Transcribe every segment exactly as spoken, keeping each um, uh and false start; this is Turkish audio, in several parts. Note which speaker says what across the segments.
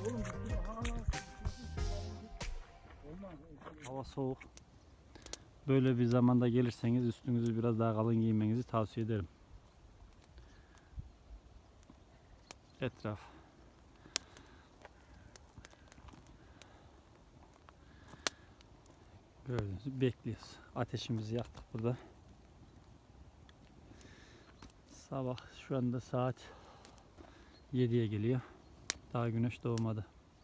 Speaker 1: Hava soğuk. Böyle bir zamanda gelirseniz üstünüzü biraz daha kalın giymenizi tavsiye ederim. Etraf. Gördüğünüz gibi bekliyoruz. Ateşimizi yaktık burada. Sabah şu anda saat yediye geliyor. Daha güneş doğmadı.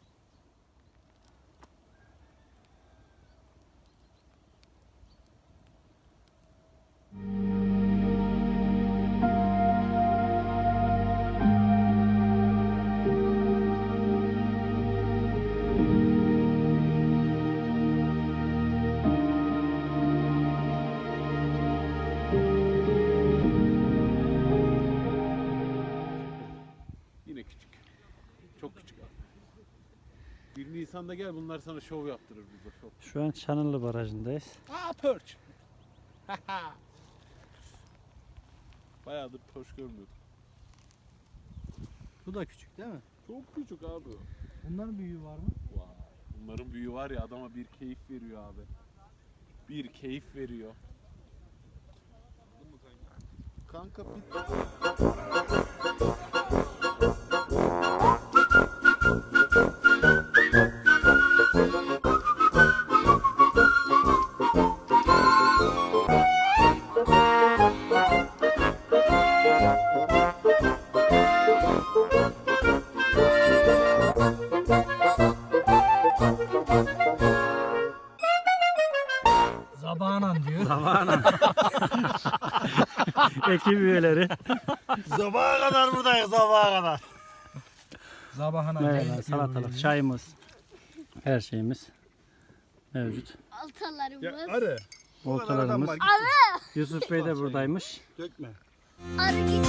Speaker 2: Yine küçük. Çok küçük. Bir Nisan'da gel, bunlar sana şov yaptırır burada, şov.
Speaker 1: Şu an Çanırlı Barajı'ndayız.
Speaker 2: Aa, perch. Bayağıdır perch görmüyordum.
Speaker 3: Bu da küçük değil mi?
Speaker 2: Çok küçük abi.
Speaker 3: Bunların büyüğü var mı?
Speaker 2: Vay. Bunların büyüğü var ya, adama bir keyif veriyor abi. Bir keyif veriyor. Kanka bir...
Speaker 3: Zabanan diyor.
Speaker 1: Zamanla. Ekip üyeleri.
Speaker 4: Sabaha kadar buradayız, sabaha kadar.
Speaker 3: Zabahana.
Speaker 1: Merhaba, salatalık, çayımız, her şeyimiz mevcut.
Speaker 5: Altalarımız.
Speaker 4: Arı.
Speaker 1: Oltalarımız. Yusuf Bey de buradaymış.
Speaker 4: Dökme.
Speaker 5: Arı git.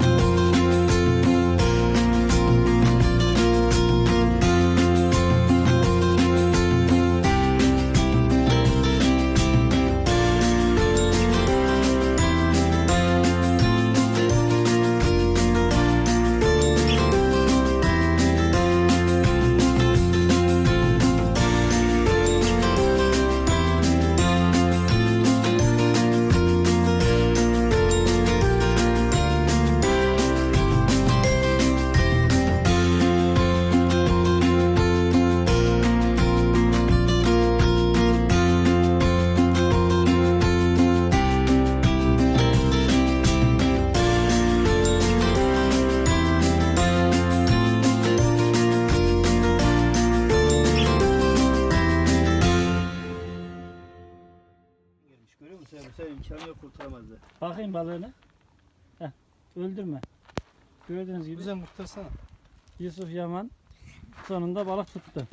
Speaker 4: Görüyor musun? Bu sefer imkanı yok, kurtaramazlar.
Speaker 1: Bakayım balığını. Heh, öldürme. Gördüğünüz gibi
Speaker 3: Güzel kurtarsana.
Speaker 1: Yusuf Yaman sonunda balık tuttu.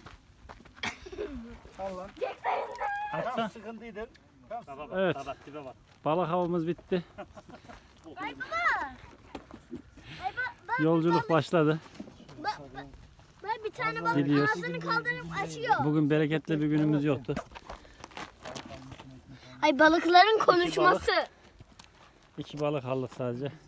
Speaker 4: Al lan.
Speaker 1: Atsan.
Speaker 4: Tamam, sıkıntıydı. Tamam.
Speaker 1: Evet. Balık avımız bitti.
Speaker 5: Ay baba. Ay ba- ben,
Speaker 1: Yolculuk başladı.
Speaker 5: ben, ben bir tane balık
Speaker 1: Gidiyoruz.
Speaker 5: ağzını kaldırıp açıyor.
Speaker 1: Bugün bereketli bir günümüz yoktu.
Speaker 5: Ay balıkların konuşması.
Speaker 1: İki balık aldık sadece.